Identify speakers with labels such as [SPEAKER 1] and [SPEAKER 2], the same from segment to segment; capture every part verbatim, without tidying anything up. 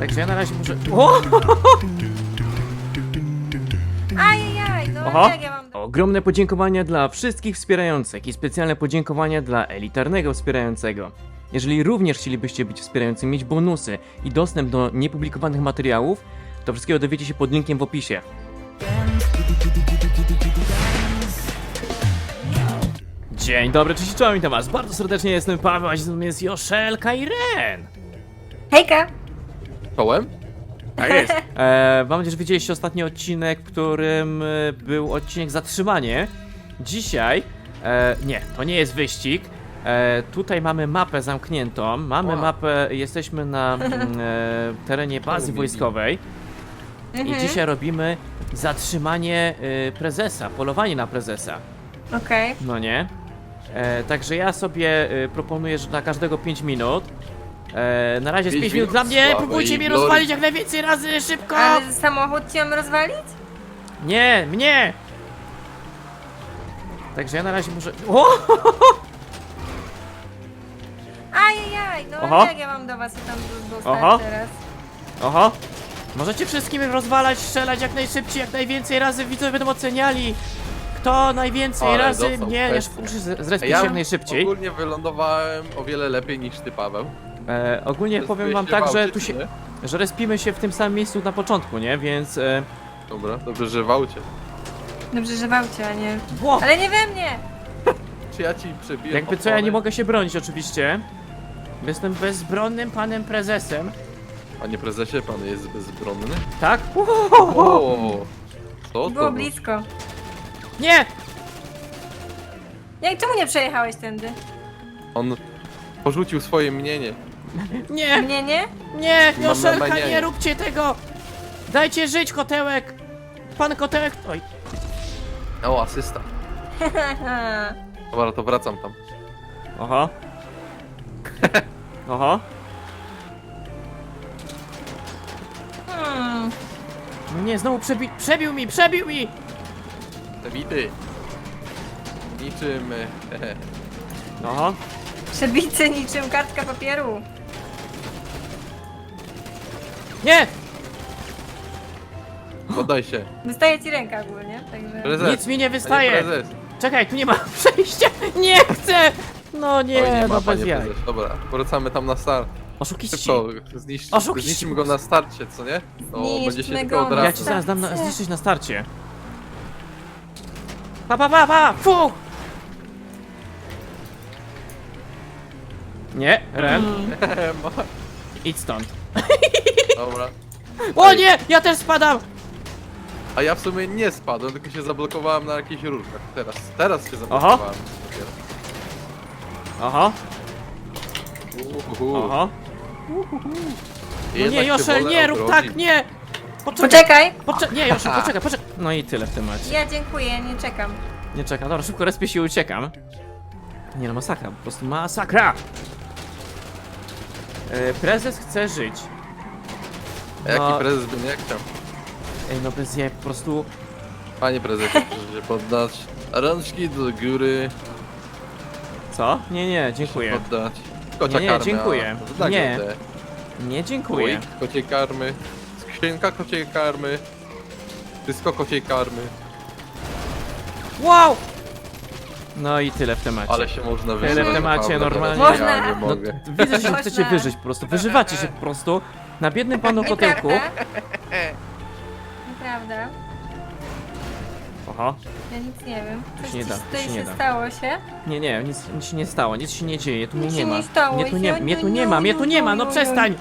[SPEAKER 1] Także ja na razie muszę... O!
[SPEAKER 2] Ajajaj, no
[SPEAKER 1] Oho.
[SPEAKER 2] jak ja mam...
[SPEAKER 1] Ogromne podziękowania dla wszystkich wspierających i specjalne podziękowania dla elitarnego wspierającego. Jeżeli również chcielibyście być wspierającym, mieć bonusy i dostęp do niepublikowanych materiałów, to wszystkiego dowiecie się pod linkiem w opisie. Dzień dobry, cześć, czołem, witam was bardzo serdecznie, jestem Paweł, a ze mną jest Joszelka i Ren.
[SPEAKER 2] Hejka!
[SPEAKER 3] Kołem?
[SPEAKER 1] Tak jest. E, mam nadzieję, że widzieliście ostatni odcinek, w którym e, był odcinek Zatrzymanie. Dzisiaj, e, nie, to nie jest wyścig. E, tutaj mamy mapę zamkniętą. Mamy
[SPEAKER 3] Wow.
[SPEAKER 1] mapę, jesteśmy na mm, e, terenie bazy wojskowej. I
[SPEAKER 2] Mhm.
[SPEAKER 1] dzisiaj robimy zatrzymanie e, prezesa, polowanie na prezesa.
[SPEAKER 2] Okej.
[SPEAKER 1] No nie? E, także ja sobie e, proponuję, że na każdego pięć minut. E, na razie z
[SPEAKER 3] pięć
[SPEAKER 1] pięć minut
[SPEAKER 3] minut
[SPEAKER 1] dla mnie,
[SPEAKER 3] sławy
[SPEAKER 1] próbujcie
[SPEAKER 3] i
[SPEAKER 1] mnie
[SPEAKER 3] glory.
[SPEAKER 1] rozwalić jak najwięcej razy, szybko!
[SPEAKER 2] Ale samochód ci mam rozwalić?
[SPEAKER 1] Nie, mnie! Także ja na razie muszę... O!
[SPEAKER 2] Ajajaj, no
[SPEAKER 1] Oho.
[SPEAKER 2] jak ja mam do was tam do-
[SPEAKER 1] Oho.
[SPEAKER 2] dostać teraz?
[SPEAKER 1] Oho! Możecie wszystkim rozwalać, strzelać jak najszybciej, jak najwięcej razy, widzowie będą oceniali. Kto najwięcej
[SPEAKER 3] Ale
[SPEAKER 1] razy
[SPEAKER 3] dostał
[SPEAKER 1] mnie... Ja
[SPEAKER 3] kwestię.
[SPEAKER 1] muszę z- zrespić
[SPEAKER 3] Ja
[SPEAKER 1] się jak najszybciej.
[SPEAKER 3] ogólnie wylądowałem o wiele lepiej niż ty, Paweł.
[SPEAKER 1] E, ogólnie powiem wam
[SPEAKER 3] Zrespiłeś
[SPEAKER 1] tak,
[SPEAKER 3] w
[SPEAKER 1] że
[SPEAKER 3] aucie,
[SPEAKER 1] tu
[SPEAKER 3] czy
[SPEAKER 1] się...
[SPEAKER 3] nie?
[SPEAKER 1] Że respimy się w tym samym miejscu na początku, nie? Więc... E...
[SPEAKER 3] Dobra, dobrze, że w aucie.
[SPEAKER 2] Dobrze, że w aucie, a nie...
[SPEAKER 1] Ło!
[SPEAKER 2] Ale nie we mnie!
[SPEAKER 3] Czy ja ci przebiję
[SPEAKER 1] Jakby co, ja nie mogę się bronić oczywiście. Jestem bezbronnym panem prezesem.
[SPEAKER 3] Panie prezesie, pan jest bezbronny?
[SPEAKER 1] Tak?
[SPEAKER 3] O, co to?
[SPEAKER 2] Było blisko.
[SPEAKER 1] Nie!
[SPEAKER 2] Jak, czemu nie przejechałeś tędy?
[SPEAKER 3] On porzucił swoje mnienie.
[SPEAKER 1] Nie!
[SPEAKER 2] Mnie nie?
[SPEAKER 1] Nie!
[SPEAKER 3] Mam
[SPEAKER 1] Joszelka,
[SPEAKER 3] manianie.
[SPEAKER 1] nie róbcie tego! Dajcie żyć, kotełek! Pan kotełek... Oj.
[SPEAKER 3] O, asysta. Dobra, to wracam tam.
[SPEAKER 1] Oho. Oho.
[SPEAKER 2] Hmm.
[SPEAKER 1] No nie, znowu przebi... Przebił mi, przebił mi!
[SPEAKER 3] Te wity. Niczym... e,
[SPEAKER 1] Oho.
[SPEAKER 2] Przebity niczym kartka papieru.
[SPEAKER 1] Nie!
[SPEAKER 3] Poddaj się.
[SPEAKER 2] Wystaje ci ręka ogólnie, także...
[SPEAKER 3] Prezes.
[SPEAKER 1] Nic mi nie
[SPEAKER 3] Panie
[SPEAKER 1] wystaje!
[SPEAKER 3] prezes.
[SPEAKER 1] Czekaj, tu nie ma przejścia! Nie chcę! No
[SPEAKER 3] Oj,
[SPEAKER 1] nie,
[SPEAKER 3] nie
[SPEAKER 1] no
[SPEAKER 3] ma,
[SPEAKER 1] bez
[SPEAKER 3] panie
[SPEAKER 1] jaj.
[SPEAKER 3] prezes. Dobra, wracamy tam na start.
[SPEAKER 1] Oszukiści!
[SPEAKER 3] Szybko, zniszcz,
[SPEAKER 1] Oszukiści.
[SPEAKER 3] zniszczymy go na starcie, co nie? No,
[SPEAKER 2] Zniszczmy
[SPEAKER 3] będzie się
[SPEAKER 2] go
[SPEAKER 3] tylko
[SPEAKER 2] na
[SPEAKER 3] odrastał.
[SPEAKER 1] Ja ci zaraz dam na, zniszczyć na starcie. Pa, pa, pa, pa! Fuch! Nie, Ren,
[SPEAKER 3] Ma-
[SPEAKER 1] idź stąd.
[SPEAKER 3] Dobra.
[SPEAKER 1] O nie, ja też spadam!
[SPEAKER 3] A ja w sumie nie spadłem, tylko się zablokowałem na jakichś rurkach. Teraz, teraz się zablokowałem. dopiero.
[SPEAKER 1] Oho,
[SPEAKER 3] Uhuhu.
[SPEAKER 1] oho. No
[SPEAKER 3] Jednak
[SPEAKER 1] nie,
[SPEAKER 3] się
[SPEAKER 1] Joszel,
[SPEAKER 3] wolę
[SPEAKER 1] nie rób
[SPEAKER 3] obronić.
[SPEAKER 1] tak, nie! Poczekaj,
[SPEAKER 2] Poczekaj!
[SPEAKER 1] poczekaj, nie, Joszel, poczekaj, poczekaj. No i tyle w temacie.
[SPEAKER 2] Ja dziękuję, nie czekam.
[SPEAKER 1] Nie czekam, dobra, szybko respię się i uciekam. Nie no, masakra, po prostu masakra! E, prezes chce żyć.
[SPEAKER 3] A jaki
[SPEAKER 1] No.
[SPEAKER 3] prezes by nie chciał?
[SPEAKER 1] Ej, no bez jaj, po prostu...
[SPEAKER 3] Panie prezesie, proszę się poddać. Rączki do góry.
[SPEAKER 1] Co? Nie, nie, dziękuję.
[SPEAKER 3] Poddać. Kocia
[SPEAKER 1] Nie, nie,
[SPEAKER 3] karmy.
[SPEAKER 1] dziękuję.
[SPEAKER 3] a, to tak
[SPEAKER 1] Nie.
[SPEAKER 3] będę.
[SPEAKER 1] Nie, dziękuję.
[SPEAKER 3] Łoik kociej karmy. Skrzynka kociej karmy. Wszystko kociej karmy.
[SPEAKER 1] Wow! No i tyle w temacie.
[SPEAKER 3] Ale się można
[SPEAKER 1] Tyle
[SPEAKER 3] wyżywać.
[SPEAKER 1] w temacie,
[SPEAKER 3] Paweł,
[SPEAKER 1] normalnie.
[SPEAKER 3] teraz Ja
[SPEAKER 2] Można.
[SPEAKER 3] nie
[SPEAKER 1] No,
[SPEAKER 3] mogę.
[SPEAKER 1] widzę, że się
[SPEAKER 2] Można.
[SPEAKER 1] chcecie wyżyć po prostu. Wyżywacie się po prostu na biednym panu kotełku.
[SPEAKER 2] Nieprawda? Nieprawda.
[SPEAKER 1] Oho.
[SPEAKER 2] Ja nic nie wiem. Coś
[SPEAKER 1] się nie
[SPEAKER 2] ci
[SPEAKER 1] da, to
[SPEAKER 2] tutaj
[SPEAKER 1] się nie
[SPEAKER 2] się
[SPEAKER 1] da.
[SPEAKER 2] stało się?
[SPEAKER 1] Nie, nie, nic, nic się nie stało, nic się nie dzieje, tu mnie
[SPEAKER 2] Nic
[SPEAKER 1] nie
[SPEAKER 2] się
[SPEAKER 1] ma.
[SPEAKER 2] nie stało
[SPEAKER 1] Mnie tu nie,
[SPEAKER 2] się.
[SPEAKER 1] mnie tu nie ma, mnie tu nie ma, no przestań!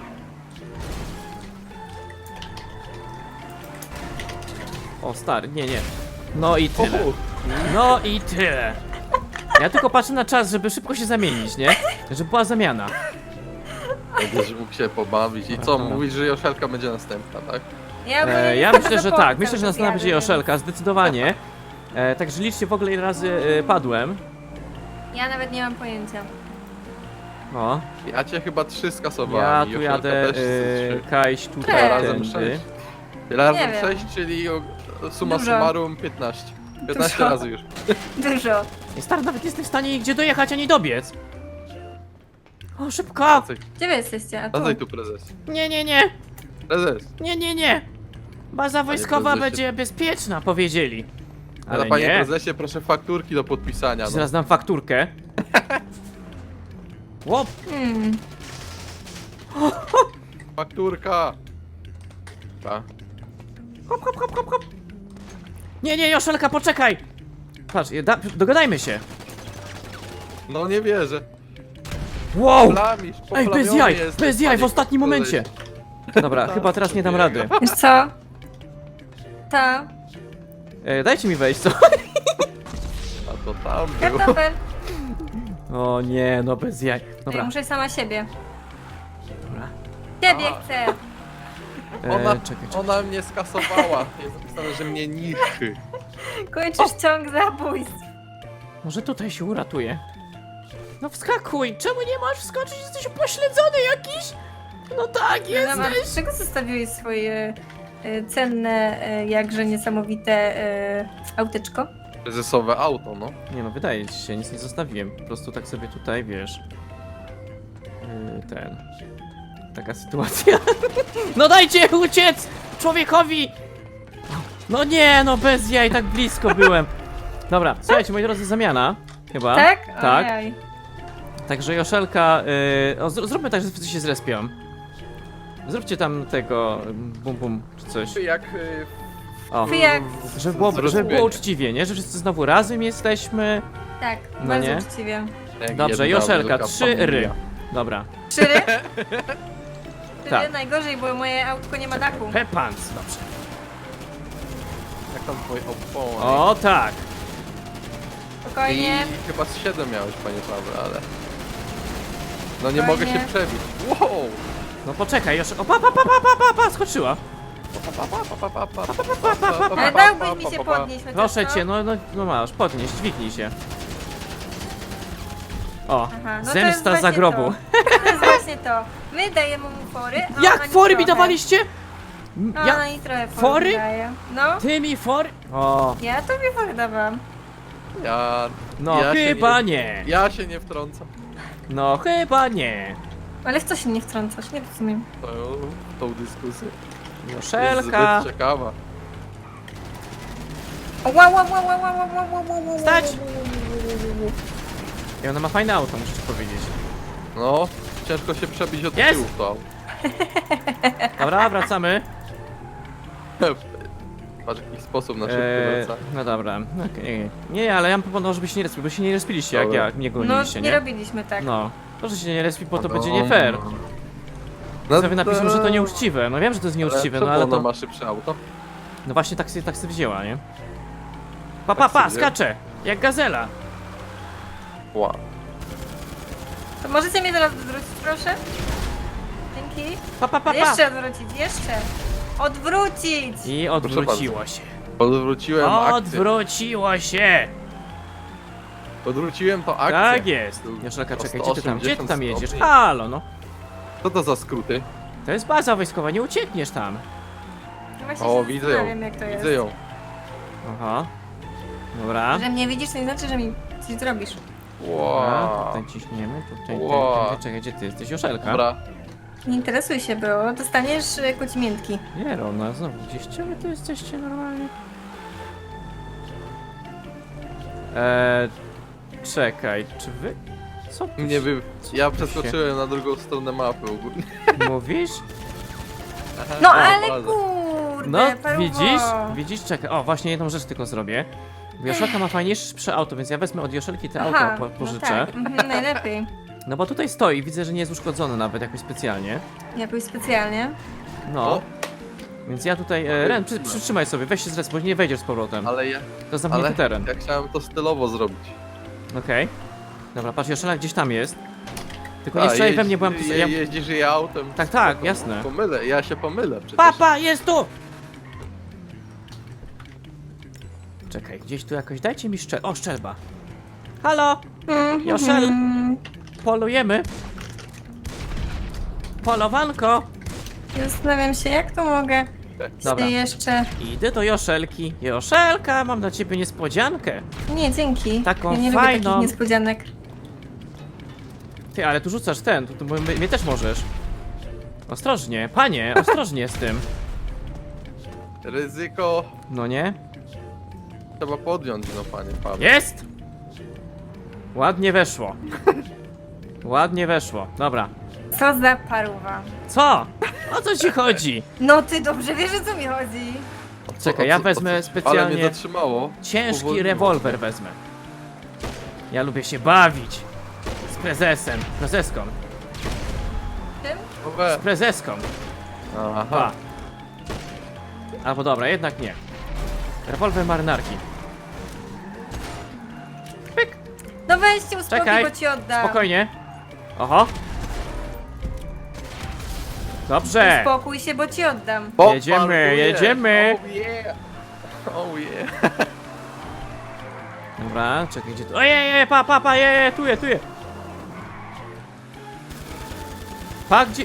[SPEAKER 1] O stary, nie, nie. No i tyle.
[SPEAKER 3] Uhu.
[SPEAKER 1] No i tyle. Ja tylko patrzę na czas, żeby szybko się zamienić, nie? Żeby była zamiana.
[SPEAKER 3] Będziesz mógł się pobawić. I co,
[SPEAKER 1] Dobra.
[SPEAKER 3] mówisz, że Joszelka będzie następna, tak?
[SPEAKER 2] Ja, ogólnie
[SPEAKER 1] E,
[SPEAKER 2] nie
[SPEAKER 1] ja
[SPEAKER 2] znam
[SPEAKER 1] myślę, że
[SPEAKER 2] zapowiedzi
[SPEAKER 1] tak, myślę, że następna będzie
[SPEAKER 2] więc-
[SPEAKER 1] Joszelka, zdecydowanie. E, także liczcie w ogóle ile razy e, padłem.
[SPEAKER 2] Ja nawet nie mam pojęcia.
[SPEAKER 1] O,
[SPEAKER 3] Ja cię chyba trzy skasowałem.
[SPEAKER 1] ja
[SPEAKER 3] i
[SPEAKER 1] tu
[SPEAKER 3] Joszelka
[SPEAKER 1] jadę,
[SPEAKER 3] też trzy.
[SPEAKER 1] e, Kajś
[SPEAKER 3] Tyle
[SPEAKER 1] tutaj,
[SPEAKER 3] razem
[SPEAKER 1] tędy.
[SPEAKER 3] sześć. Tyle razem
[SPEAKER 2] wiem.
[SPEAKER 3] sześć, czyli o- summa
[SPEAKER 2] Dużo.
[SPEAKER 3] summarum piętnaście. piętnaście
[SPEAKER 2] Dużo.
[SPEAKER 3] razy już.
[SPEAKER 2] Dużo.
[SPEAKER 1] I stary, nawet nie jestem w stanie nigdzie dojechać ani dobiec. O, szybko!
[SPEAKER 3] Wracaj,
[SPEAKER 2] Gdzie wy jesteście? A tu.
[SPEAKER 3] wracaj tu, prezes.
[SPEAKER 1] Nie, nie, nie!
[SPEAKER 3] Prezes.
[SPEAKER 1] Nie, nie, nie! Baza wojskowa
[SPEAKER 3] prezesie.
[SPEAKER 1] będzie bezpieczna, powiedzieli.
[SPEAKER 3] Ale
[SPEAKER 1] Ale
[SPEAKER 3] panie
[SPEAKER 1] nie.
[SPEAKER 3] prezesie, proszę fakturki do podpisania. No.
[SPEAKER 1] Zaraz dam fakturkę. Łop!
[SPEAKER 2] Hmm.
[SPEAKER 3] Fakturka. Ta.
[SPEAKER 1] Hop, hop, hop, hop, hop. Nie, nie, Joszelka, poczekaj! Patrz, da, dogadajmy się.
[SPEAKER 3] No nie wierzę.
[SPEAKER 1] Wow!
[SPEAKER 3] Plamisz,
[SPEAKER 1] Ej, bez
[SPEAKER 3] poplamiony
[SPEAKER 1] jaj,
[SPEAKER 3] jesteś,
[SPEAKER 1] bez jaj, w
[SPEAKER 3] panie
[SPEAKER 1] ostatnim momencie.
[SPEAKER 3] prezesie.
[SPEAKER 1] Dobra, chyba teraz nie dam rady.
[SPEAKER 2] Wiesz co? Ta.
[SPEAKER 1] E, dajcie mi wejść, co?
[SPEAKER 3] A to tam było.
[SPEAKER 2] Kartofel.
[SPEAKER 1] O nie, no bez jaj.
[SPEAKER 2] Ja
[SPEAKER 1] Dobra,
[SPEAKER 2] muszę sama siebie.
[SPEAKER 1] dobra.
[SPEAKER 2] Ciebie
[SPEAKER 3] A.
[SPEAKER 2] chcę.
[SPEAKER 1] E,
[SPEAKER 3] Ona,
[SPEAKER 1] czekaj, czekaj.
[SPEAKER 3] ona mnie skasowała. Jest napisane, że mnie niszczy.
[SPEAKER 2] Kończysz ciąg zabójstw.
[SPEAKER 1] Może tutaj się uratuje. No wskakuj! Czemu nie możesz wskoczyć? Jesteś upośledzony jakiś? No tak,
[SPEAKER 2] No, a
[SPEAKER 1] jesteś!
[SPEAKER 2] czego zostawiłeś swoje e, cenne, e, jakże niesamowite e, auteczko?
[SPEAKER 3] Prezesowe auto, no.
[SPEAKER 1] Nie no, wydaje ci się, nic nie zostawiłem. Po prostu tak sobie tutaj, wiesz... Yy, ten... Taka sytuacja. No dajcie uciec! Człowiekowi! No nie, no bez jaj, tak blisko byłem. Dobra, słuchajcie, moi drodzy, zamiana. Chyba.
[SPEAKER 2] Tak?
[SPEAKER 1] Tak.
[SPEAKER 2] Ojej.
[SPEAKER 1] Także Joszelka, yy, o, zr zróbmy tak, że wszyscy się zrespią. Zróbcie tam tego ym, bum bum czy coś.
[SPEAKER 3] Jak... y,
[SPEAKER 1] O,
[SPEAKER 2] Ty jak...
[SPEAKER 1] żeby było, żeby
[SPEAKER 3] Zrozumienie.
[SPEAKER 1] było uczciwie, nie? Że wszyscy znowu razem jesteśmy.
[SPEAKER 2] Tak,
[SPEAKER 1] No
[SPEAKER 2] bardzo
[SPEAKER 1] nie?
[SPEAKER 2] uczciwie.
[SPEAKER 3] jak
[SPEAKER 1] Dobrze,
[SPEAKER 3] jedna
[SPEAKER 1] Joszelka,
[SPEAKER 3] wielka
[SPEAKER 1] trzy ry.
[SPEAKER 3] familia.
[SPEAKER 1] Dobra.
[SPEAKER 2] Szyry? Szyry
[SPEAKER 1] Tak.
[SPEAKER 2] najgorzej, bo moje autko nie ma dachu.
[SPEAKER 1] Pepans, dobrze.
[SPEAKER 3] Jak tam twoje opony?
[SPEAKER 1] O tak.
[SPEAKER 2] Spokojnie.
[SPEAKER 3] I chyba z siedem miałeś, panie Paweł, ale... No nie
[SPEAKER 2] Fajnie.
[SPEAKER 3] mogę się przebić. Wow!
[SPEAKER 1] No poczekaj, Joszelka. O, pa, pa, pa, pa, pa, pa, pa, skoczyła.
[SPEAKER 2] Ale dałbyś mi się podnieść chociaż,
[SPEAKER 1] Proszę
[SPEAKER 2] co?
[SPEAKER 1] cię, no, no, no masz, podnieś, dźwignij się. O,
[SPEAKER 2] Aha, no to jest
[SPEAKER 1] zemsta za
[SPEAKER 2] właśnie
[SPEAKER 1] grobu.
[SPEAKER 2] To. to jest właśnie to. My dajemy mu fory, a ona
[SPEAKER 1] Jak
[SPEAKER 2] nic
[SPEAKER 1] fory mi
[SPEAKER 2] trochę.
[SPEAKER 1] dawaliście? M-
[SPEAKER 2] A
[SPEAKER 1] Ja,
[SPEAKER 2] ona i trochę fory
[SPEAKER 1] fory?
[SPEAKER 2] daje. No,
[SPEAKER 1] ty mi fory? O,
[SPEAKER 2] ja tobie fory dawałam.
[SPEAKER 3] Ja...
[SPEAKER 1] no
[SPEAKER 3] ja się
[SPEAKER 1] chyba
[SPEAKER 3] nie...
[SPEAKER 1] nie.
[SPEAKER 3] Ja się nie wtrącam.
[SPEAKER 1] No chyba nie.
[SPEAKER 2] Ale w co się nie wtrącasz? Nie rozumiem.
[SPEAKER 3] To, tą dyskusję. Jest
[SPEAKER 1] Joszelka.
[SPEAKER 3] zbyt ciekawa.
[SPEAKER 2] Ła, ła, ła, ła, ła, ła, ła, ła, ła, ła,
[SPEAKER 1] Stać!
[SPEAKER 2] ła, ła, ła, ła.
[SPEAKER 1] I ona ma fajne auto, muszę ci powiedzieć.
[SPEAKER 3] No, ciężko się przebić od
[SPEAKER 1] Jest!
[SPEAKER 3] tyłu w to.
[SPEAKER 1] Dobra, wracamy.
[SPEAKER 3] Patrz, w jaki sposób na szybko
[SPEAKER 1] Eee,
[SPEAKER 3] wraca.
[SPEAKER 1] no dobra, okej. Nie, ale ja bym proponował, żeby się nie respili, bo się nie respiliście, jak
[SPEAKER 3] Dobra.
[SPEAKER 1] ja mnie
[SPEAKER 2] No,
[SPEAKER 1] goniliście,
[SPEAKER 2] nie
[SPEAKER 1] nie?
[SPEAKER 2] robiliśmy tak.
[SPEAKER 1] No. Proszę się nie respi, bo to
[SPEAKER 3] No,
[SPEAKER 1] będzie nie fair.
[SPEAKER 3] No
[SPEAKER 1] Sobie napiszą, że to nieuczciwe. No wiem, że to jest nieuczciwe,
[SPEAKER 3] ale
[SPEAKER 1] no ale
[SPEAKER 3] ona
[SPEAKER 1] to...
[SPEAKER 3] ma szybsze auto?
[SPEAKER 1] No właśnie tak sobie, tak sobie wzięła, nie? Pa, pa,
[SPEAKER 3] Tak
[SPEAKER 1] pa,
[SPEAKER 3] sobie wzięła?
[SPEAKER 1] skacze! Jak gazela!
[SPEAKER 3] Wow.
[SPEAKER 2] To możecie mnie teraz odwrócić, proszę? Dzięki.
[SPEAKER 1] Pa, pa, pa, pa!
[SPEAKER 2] Jeszcze odwrócić, jeszcze. Odwrócić!
[SPEAKER 1] I odwróciło się.
[SPEAKER 3] Odwróciłem akcję.
[SPEAKER 1] Odwróciło się!
[SPEAKER 3] Odwróciłem to akcję.
[SPEAKER 1] Tak jest!
[SPEAKER 3] Tu
[SPEAKER 1] Joszelka,
[SPEAKER 3] o
[SPEAKER 1] czekaj, gdzie ty tam, gdzie ty tam
[SPEAKER 3] sto osiemdziesiąt
[SPEAKER 1] jedziesz?
[SPEAKER 3] stopni.
[SPEAKER 1] Halo, no.
[SPEAKER 3] Co to za skróty?
[SPEAKER 1] To jest baza wojskowa, nie uciekniesz tam.
[SPEAKER 2] No właśnie
[SPEAKER 3] O,
[SPEAKER 2] się
[SPEAKER 3] widzę ją.
[SPEAKER 2] zastanawiam, jak to jest.
[SPEAKER 3] Widzę ją.
[SPEAKER 1] Aha. Dobra.
[SPEAKER 2] Że mnie widzisz, to nie znaczy, że mi coś zrobisz.
[SPEAKER 1] Dobra,
[SPEAKER 3] Wow.
[SPEAKER 1] tutaj ciśniemy, tutaj,
[SPEAKER 3] Wow.
[SPEAKER 1] tutaj, czekaj, gdzie ty jesteś? Joszelka?
[SPEAKER 3] Dobra.
[SPEAKER 2] Nie interesuj się, bo dostaniesz y, kocimiętki.
[SPEAKER 1] Nie, Rona, znowu gdzieś gdzie wy tu jesteście normalnie? Eee, czekaj, czy wy... Co tu
[SPEAKER 3] Nie
[SPEAKER 1] się-
[SPEAKER 3] wiem.
[SPEAKER 1] co
[SPEAKER 3] Ja
[SPEAKER 1] tu się-
[SPEAKER 3] przeskoczyłem na drugą stronę mapy ogólnie.
[SPEAKER 1] Mówisz?
[SPEAKER 2] No
[SPEAKER 3] O,
[SPEAKER 2] ale
[SPEAKER 3] bardzo.
[SPEAKER 2] kurde,
[SPEAKER 1] No,
[SPEAKER 2] paruwo.
[SPEAKER 1] widzisz? Widzisz? Czekaj, o, właśnie jedną rzecz tylko zrobię. Bo Joszelka ma fajniejsze auto, więc ja wezmę od Joszelki te auto,
[SPEAKER 2] Aha,
[SPEAKER 1] po,
[SPEAKER 2] no
[SPEAKER 1] pożyczę.
[SPEAKER 2] tak, mhm, najlepiej.
[SPEAKER 1] No bo tutaj stoi, widzę, że nie jest uszkodzony nawet jakoś specjalnie.
[SPEAKER 2] Jakoś specjalnie.
[SPEAKER 1] No.
[SPEAKER 3] O.
[SPEAKER 1] Więc ja tutaj... E, Ren, przy, przytrzymaj sobie, weź się z resp, bo nie wejdziesz z powrotem.
[SPEAKER 3] Ale ja,
[SPEAKER 1] To jest zamknięty
[SPEAKER 3] ale
[SPEAKER 1] teren.
[SPEAKER 3] ja chciałem to stylowo zrobić.
[SPEAKER 1] Okej. Dobra, patrz, Joszelka gdzieś tam jest. Tylko
[SPEAKER 3] A,
[SPEAKER 1] nie strzelaj we
[SPEAKER 3] jeździ-
[SPEAKER 1] mnie, bo ja...
[SPEAKER 3] je,
[SPEAKER 1] ja...
[SPEAKER 3] Jeździsz je autem.
[SPEAKER 1] Tak, tak,
[SPEAKER 3] To
[SPEAKER 1] jasne.
[SPEAKER 3] Pomylę, ja się pomylę przecież.
[SPEAKER 1] Papa, jest tu! Czekaj, gdzieś tu jakoś, dajcie mi szczel... O, szczelba. Halo,
[SPEAKER 2] Mhm.
[SPEAKER 1] Joszel, polujemy. Polowanko.
[SPEAKER 2] Zastanawiam się, jak to mogę
[SPEAKER 1] Dobra.
[SPEAKER 2] się jeszcze...
[SPEAKER 1] Idę do Joszelki. Joszelka, mam dla ciebie niespodziankę.
[SPEAKER 2] Nie, dzięki.
[SPEAKER 1] Taką
[SPEAKER 2] ja nie
[SPEAKER 1] fajną.
[SPEAKER 2] lubię takich niespodzianek.
[SPEAKER 1] Ty, ale tu rzucasz ten, tu, tu mnie, mnie też możesz. Ostrożnie, panie, ostrożnie z tym.
[SPEAKER 3] Ryzyko
[SPEAKER 1] No nie?
[SPEAKER 3] trzeba podjąć, no panie Paweł.
[SPEAKER 1] Jest! Ładnie weszło. Ładnie weszło, dobra.
[SPEAKER 2] Co za paruwa.
[SPEAKER 1] Co? O co ci chodzi?
[SPEAKER 2] No ty dobrze wiesz, o co mi chodzi.
[SPEAKER 1] Czekaj,
[SPEAKER 3] O
[SPEAKER 1] ja
[SPEAKER 3] co-
[SPEAKER 1] wezmę
[SPEAKER 3] o co- Ale
[SPEAKER 1] specjalnie
[SPEAKER 3] mnie zatrzymało.
[SPEAKER 1] ciężki
[SPEAKER 3] Powolniło.
[SPEAKER 1] rewolwer wezmę. Ja lubię się bawić. Z prezesem, prezeską,
[SPEAKER 2] Tym?
[SPEAKER 3] O we.
[SPEAKER 1] z prezeską.
[SPEAKER 3] Aha.
[SPEAKER 1] Pa. Albo dobra, jednak nie. Rewolwer marynarki. Pyk,
[SPEAKER 2] No weźcie uspokój,
[SPEAKER 1] Czekaj,
[SPEAKER 2] bo ci oddam.
[SPEAKER 1] spokojnie. Oho. Dobrze.
[SPEAKER 2] Uspokój się, bo ci oddam.
[SPEAKER 3] O,
[SPEAKER 1] Jedziemy,
[SPEAKER 3] parkuję.
[SPEAKER 1] jedziemy.
[SPEAKER 3] Oh yeah. Oh yeah.
[SPEAKER 1] Dobra, czekaj, gdzie tu? Ojej, pa, pa, pa, je, je, tu je, tu je. Pa, gdzie?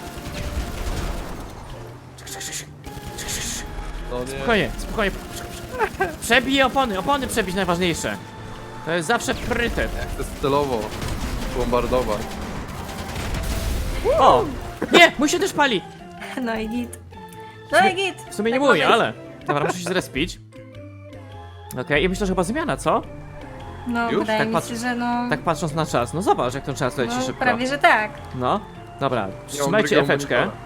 [SPEAKER 3] No nie.
[SPEAKER 1] Spokojnie, spokojnie. Przebij opony, opony przebić najważniejsze. To jest zawsze priorytet.
[SPEAKER 3] Chcę celowo bombardować.
[SPEAKER 1] O! Nie, mój się też pali.
[SPEAKER 2] No i git. No i git.
[SPEAKER 1] W sumie nie
[SPEAKER 2] Tak
[SPEAKER 1] mój,
[SPEAKER 2] ma być.
[SPEAKER 1] ale... Dobra, muszę się zrespić. Okej, i myślę, że chyba zmiana, co?
[SPEAKER 2] No,
[SPEAKER 3] Już?
[SPEAKER 2] wydaje
[SPEAKER 1] Tak
[SPEAKER 2] mi
[SPEAKER 1] patrz-
[SPEAKER 2] się, że no...
[SPEAKER 1] Tak patrząc na czas. No zobacz, jak ten czas leci
[SPEAKER 2] no
[SPEAKER 1] szybko.
[SPEAKER 2] prawie, że tak.
[SPEAKER 1] No, dobra,
[SPEAKER 3] Nie mam
[SPEAKER 1] trzymajcie
[SPEAKER 3] drugiego
[SPEAKER 1] efeczkę.
[SPEAKER 3] monitora.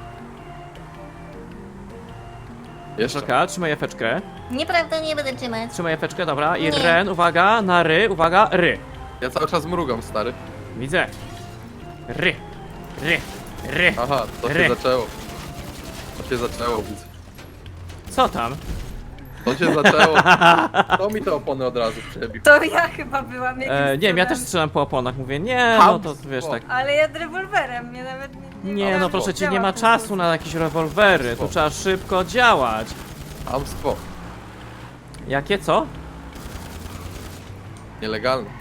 [SPEAKER 3] Jeszcze.
[SPEAKER 1] Czeka, trzymaj efeczkę.
[SPEAKER 2] Nieprawda, nie będę trzymać.
[SPEAKER 1] Trzymaj efeczkę, dobra. I
[SPEAKER 2] Nie.
[SPEAKER 1] Ren, uwaga, na ry, uwaga, ry.
[SPEAKER 3] Ja cały czas mrugam, stary.
[SPEAKER 1] Widzę. Ry, ry, ry.
[SPEAKER 3] Aha, to
[SPEAKER 1] Ry.
[SPEAKER 3] się zaczęło. To się zaczęło, widzę.
[SPEAKER 1] Co tam?
[SPEAKER 3] To się zaczęło. To mi te opony od razu przebił.
[SPEAKER 2] To ja chyba byłam jakimś
[SPEAKER 1] E, nie wiem, ja też
[SPEAKER 2] cudem.
[SPEAKER 1] strzelam po oponach. Mówię, nie, no to
[SPEAKER 3] Chamstwo.
[SPEAKER 1] wiesz tak.
[SPEAKER 2] Ale ja rewolwerem, mnie nawet nie...
[SPEAKER 1] Nie, no
[SPEAKER 2] wiem,
[SPEAKER 1] proszę
[SPEAKER 2] jak
[SPEAKER 1] cię, nie
[SPEAKER 2] działa
[SPEAKER 1] ma
[SPEAKER 2] ten
[SPEAKER 1] czasu
[SPEAKER 2] spust.
[SPEAKER 1] na jakieś rewolwery. Tu trzeba szybko działać.
[SPEAKER 3] Hamstwo.
[SPEAKER 1] Jakie co?
[SPEAKER 3] Nielegalne.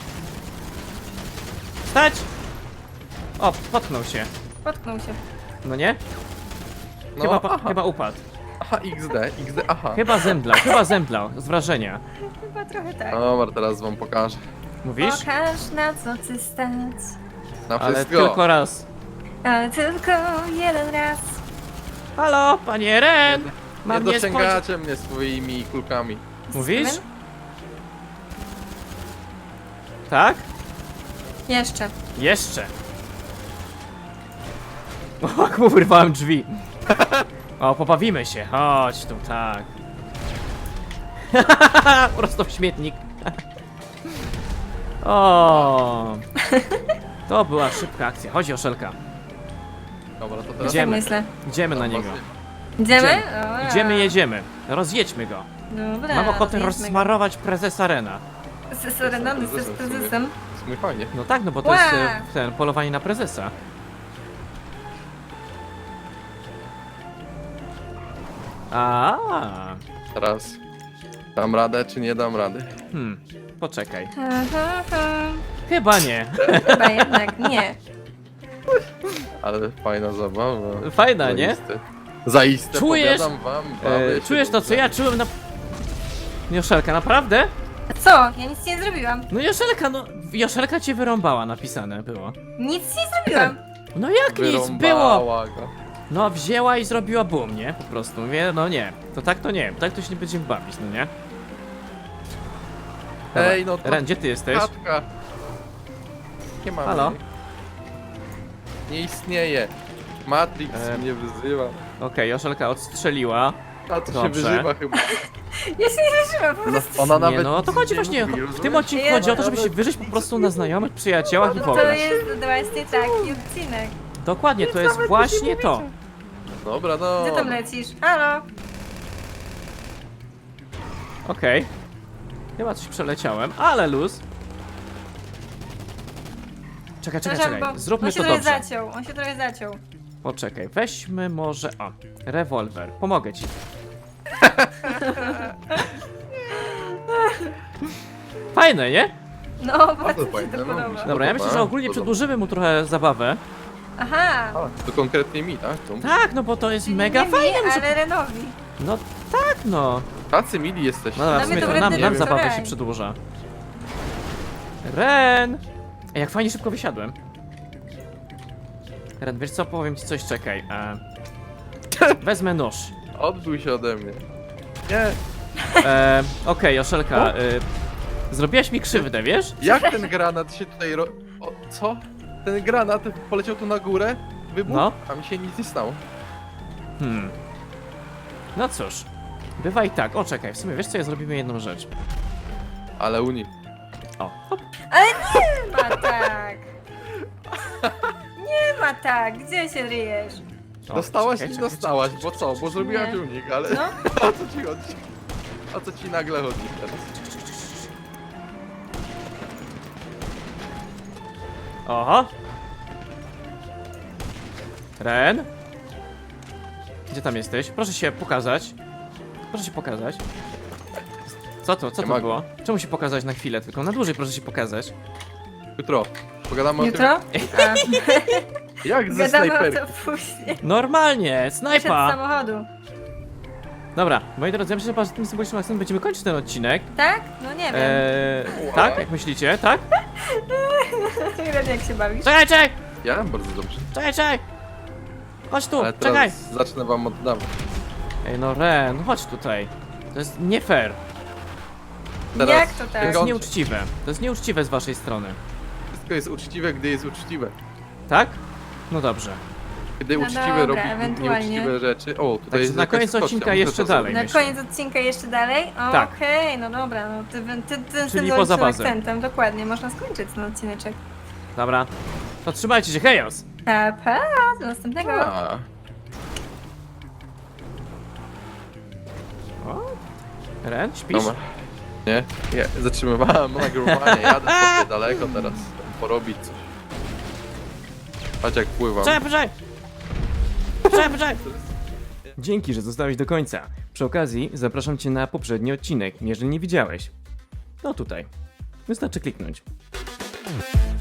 [SPEAKER 1] Stać! O, potknął się.
[SPEAKER 2] Potknął się.
[SPEAKER 1] No nie?
[SPEAKER 3] No,
[SPEAKER 1] Chyba, pa-
[SPEAKER 3] aha,
[SPEAKER 1] chyba upadł.
[SPEAKER 3] aha, X D, X D, aha.
[SPEAKER 1] Chyba zemdlał, chyba zemdlał. Z wrażenia.
[SPEAKER 2] Chyba trochę tak.
[SPEAKER 3] Dobra, teraz wam pokażę.
[SPEAKER 1] Mówisz?
[SPEAKER 2] Pokaż na co ty stać.
[SPEAKER 3] Na
[SPEAKER 1] Ale
[SPEAKER 3] wszystko.
[SPEAKER 1] tylko raz.
[SPEAKER 2] Ale tylko jeden raz.
[SPEAKER 1] Halo, panie Ren!
[SPEAKER 3] Nie
[SPEAKER 1] Mam niespodziankę.
[SPEAKER 3] dociągacie mnie swoimi kulkami.
[SPEAKER 1] Mówisz?
[SPEAKER 2] Steven?
[SPEAKER 1] Tak?
[SPEAKER 2] Jeszcze.
[SPEAKER 1] Jeszcze. O, jak mu wyrwałem drzwi. O, pobawimy się. Chodź tu, tak. Prosto w śmietnik. O. To była szybka akcja. Chodź, Joszelka.
[SPEAKER 3] Dobra, to teraz...
[SPEAKER 1] Idziemy.
[SPEAKER 2] Tak myślę.
[SPEAKER 1] Idziemy na niego.
[SPEAKER 2] Idziemy?
[SPEAKER 1] Idziemy.
[SPEAKER 2] Dobra.
[SPEAKER 1] Idziemy, jedziemy. Rozjedźmy go.
[SPEAKER 2] Dobra,
[SPEAKER 1] Mam ochotę
[SPEAKER 2] rozjedźmy go.
[SPEAKER 1] rozsmarować prezesa Rena.
[SPEAKER 2] Z Serenony, z
[SPEAKER 3] Prezesem w sumie.
[SPEAKER 2] prezesem.
[SPEAKER 3] Jest mój fajnie.
[SPEAKER 1] No tak, no bo to jest
[SPEAKER 2] Ła!
[SPEAKER 1] e, ten, polowanie na prezesa. A,
[SPEAKER 3] Teraz dam radę, czy nie dam rady?
[SPEAKER 1] hmm, poczekaj.
[SPEAKER 2] Ha, ha, ha.
[SPEAKER 1] Chyba nie.
[SPEAKER 2] Chyba jednak nie.
[SPEAKER 3] Ale fajna zabawa.
[SPEAKER 1] Fajna, nie?
[SPEAKER 3] Zaiste. Zaiste,
[SPEAKER 1] Czujesz?
[SPEAKER 3] powiadam wam. bawię
[SPEAKER 1] E,
[SPEAKER 3] się
[SPEAKER 1] czujesz to, co
[SPEAKER 3] dobrze.
[SPEAKER 1] ja czułem na... Joszelka, naprawdę?
[SPEAKER 2] Co? Ja nic nie zrobiłam.
[SPEAKER 1] No Joszelka, no... Joszelka cię wyrąbała, napisane było.
[SPEAKER 2] Nic nie zrobiłam.
[SPEAKER 1] No jak nic, było!
[SPEAKER 3] Wyrąbała go.
[SPEAKER 1] No wzięła i zrobiła boom, nie? Po prostu, mówię, no nie. To tak to nie, tak to się nie będziemy bawić, no nie? Dobra.
[SPEAKER 3] Ej, no to
[SPEAKER 1] Ren, gdzie ty jesteś?
[SPEAKER 3] Katka. Nie ma
[SPEAKER 1] Halo?
[SPEAKER 3] mnie. Nie istnieje. Matrix
[SPEAKER 1] E,
[SPEAKER 3] mnie wyzywa.
[SPEAKER 1] Okej, Joszelka odstrzeliła.
[SPEAKER 3] A to się
[SPEAKER 1] dobrze.
[SPEAKER 3] wyżywa chyba.
[SPEAKER 2] Ja się nie wyżyłam po
[SPEAKER 3] Ona,
[SPEAKER 2] prostu.
[SPEAKER 3] ona nawet
[SPEAKER 1] Nie no, o to
[SPEAKER 3] nic
[SPEAKER 1] chodzi
[SPEAKER 3] nie
[SPEAKER 1] właśnie,
[SPEAKER 3] mówi,
[SPEAKER 1] w tym
[SPEAKER 3] rozumiesz?
[SPEAKER 1] odcinku
[SPEAKER 2] Ja
[SPEAKER 1] chodzi o to,
[SPEAKER 2] nawet
[SPEAKER 1] żeby się wyżyć po prostu na znajomych, przyjaciołach i w
[SPEAKER 2] To
[SPEAKER 1] ogóle.
[SPEAKER 2] jest właśnie taki odcinek.
[SPEAKER 1] Dokładnie, to jest właśnie to.
[SPEAKER 3] Dobra, no.
[SPEAKER 2] Gdzie tam lecisz? Halo?
[SPEAKER 1] Okej. Chyba coś przeleciałem, ale luz. Czekaj, czekaj,
[SPEAKER 2] Przepraszam,
[SPEAKER 1] czekaj.
[SPEAKER 2] bo
[SPEAKER 1] Zróbmy
[SPEAKER 2] on się
[SPEAKER 1] to
[SPEAKER 2] trochę
[SPEAKER 1] dobrze.
[SPEAKER 2] zaciął, on się trochę zaciął.
[SPEAKER 1] Poczekaj, weźmy może... O, rewolwer. Pomogę ci. Fajne, nie?
[SPEAKER 2] No, bardzo mi się
[SPEAKER 3] fajne,
[SPEAKER 2] to
[SPEAKER 3] no,
[SPEAKER 2] podoba.
[SPEAKER 3] mi się-
[SPEAKER 1] Dobra, ja myślę, że ogólnie
[SPEAKER 3] Podoba.
[SPEAKER 1] przedłużymy mu trochę zabawę.
[SPEAKER 2] Aha.
[SPEAKER 3] A, to konkretnie mi, tak? To...
[SPEAKER 1] Tak, no bo to jest
[SPEAKER 2] Czyli
[SPEAKER 1] mega
[SPEAKER 2] nie
[SPEAKER 1] fajne.
[SPEAKER 2] mi,
[SPEAKER 1] muszę-
[SPEAKER 2] ale Renowi.
[SPEAKER 1] No tak, no.
[SPEAKER 3] Tacy mili jesteście.
[SPEAKER 1] No dobra, w
[SPEAKER 2] Dla
[SPEAKER 1] sumie
[SPEAKER 2] mnie
[SPEAKER 1] to
[SPEAKER 2] to
[SPEAKER 1] nam,
[SPEAKER 2] wredny
[SPEAKER 1] nam
[SPEAKER 3] wczoraj.
[SPEAKER 1] zabawa się przedłuża. Ren! Ej, jak fajnie szybko wysiadłem. Ren, wiesz co, powiem ci coś, czekaj. E... Wezmę nóż.
[SPEAKER 3] Odbój się ode mnie. Nie,
[SPEAKER 1] E... Okej, Joszelka, e... zrobiłaś mi krzywdę, wiesz?
[SPEAKER 3] jak ten granat się tutaj ro... O, co? Ten granat poleciał tu na górę, wybuchł,
[SPEAKER 1] No.
[SPEAKER 3] a mi się nic nie stało.
[SPEAKER 1] Hmm. No cóż, bywa i tak. O, czekaj, w sumie wiesz co, ja zrobimy jedną rzecz.
[SPEAKER 3] Ale Uni.
[SPEAKER 1] O, hop.
[SPEAKER 2] Ale nie ma tak! Nie ma tak! Gdzie się ryjesz?
[SPEAKER 1] O,
[SPEAKER 3] Dostałaś
[SPEAKER 1] czekaj,
[SPEAKER 3] i
[SPEAKER 1] czekaj,
[SPEAKER 3] dostałaś, bo co? Bo zrobiłaś
[SPEAKER 2] Nie.
[SPEAKER 3] unik, ale
[SPEAKER 2] No.
[SPEAKER 3] o co ci chodzi? O co ci nagle chodzi teraz?
[SPEAKER 1] Oho. Ren? Gdzie tam jesteś? Proszę się pokazać. Proszę się pokazać. Co to? Co
[SPEAKER 3] Nie
[SPEAKER 1] to
[SPEAKER 3] mogę.
[SPEAKER 1] było? Czemu się pokazać na chwilę tylko? Na dłużej proszę się pokazać.
[SPEAKER 3] Jutro. Pogadamy
[SPEAKER 2] Jutro?
[SPEAKER 3] o tym,
[SPEAKER 2] A,
[SPEAKER 3] jak ze
[SPEAKER 2] gadamy o
[SPEAKER 3] snajperki.
[SPEAKER 2] to później.
[SPEAKER 1] Normalnie!
[SPEAKER 2] Przed
[SPEAKER 1] Snajpa!
[SPEAKER 2] samochodu.
[SPEAKER 1] Dobra, moi drodzy, ja myślę, że z tym symbolicznym akcentem będziemy kończyć ten odcinek.
[SPEAKER 2] Tak? No nie wiem.
[SPEAKER 1] Eee, tak? Jak myślicie? Tak?
[SPEAKER 2] Ren, jak się bawisz?
[SPEAKER 1] Czekaj, czekaj!
[SPEAKER 3] Ja bardzo dobrze.
[SPEAKER 1] Czekaj, czekaj! Chodź tu,
[SPEAKER 3] Ale
[SPEAKER 1] czekaj!
[SPEAKER 3] teraz zacznę wam oddawać.
[SPEAKER 1] Ej, no Ren, chodź tutaj. To jest nie fair.
[SPEAKER 3] Teraz
[SPEAKER 2] Jak to
[SPEAKER 1] To
[SPEAKER 2] tak?
[SPEAKER 1] jest
[SPEAKER 3] Wygląda-
[SPEAKER 1] nieuczciwe. To jest nieuczciwe z waszej strony.
[SPEAKER 3] Wszystko jest uczciwe, gdy jest uczciwe.
[SPEAKER 1] Tak? No dobrze.
[SPEAKER 3] Gdy
[SPEAKER 2] No
[SPEAKER 3] uczciwe
[SPEAKER 2] dobra,
[SPEAKER 3] robi
[SPEAKER 2] ewentualnie.
[SPEAKER 3] nieuczciwe rzeczy. O, tutaj
[SPEAKER 1] Także
[SPEAKER 3] jest
[SPEAKER 1] na
[SPEAKER 3] jakaś
[SPEAKER 1] koniec
[SPEAKER 3] kostka,
[SPEAKER 1] odcinka
[SPEAKER 3] muszę
[SPEAKER 1] jeszcze
[SPEAKER 3] to
[SPEAKER 1] dalej.
[SPEAKER 2] Na
[SPEAKER 1] myślę.
[SPEAKER 2] koniec odcinka jeszcze dalej?
[SPEAKER 1] Tak.
[SPEAKER 2] Okej, no dobra, no ty, ty, ty, ty
[SPEAKER 1] Czyli
[SPEAKER 2] tym
[SPEAKER 1] poza
[SPEAKER 2] logicznym
[SPEAKER 1] bazę.
[SPEAKER 2] akcentem, dokładnie, można skończyć ten odcineczek.
[SPEAKER 1] Dobra. To trzymajcie się, hejos!
[SPEAKER 2] Pa, pa, do następnego.
[SPEAKER 3] A,
[SPEAKER 1] O? Ren, śpisz?
[SPEAKER 3] dobra. Nie, nie, zatrzymywałem nagrywanie, jadę sobie daleko teraz, porobić coś. Patrz jak pływam.
[SPEAKER 1] Czekaj, poczekaj! Poczekaj, poczekaj! Dzięki, że zostałeś do końca. Przy okazji zapraszam cię na poprzedni odcinek, jeżeli nie widziałeś. No tutaj. Wystarczy kliknąć.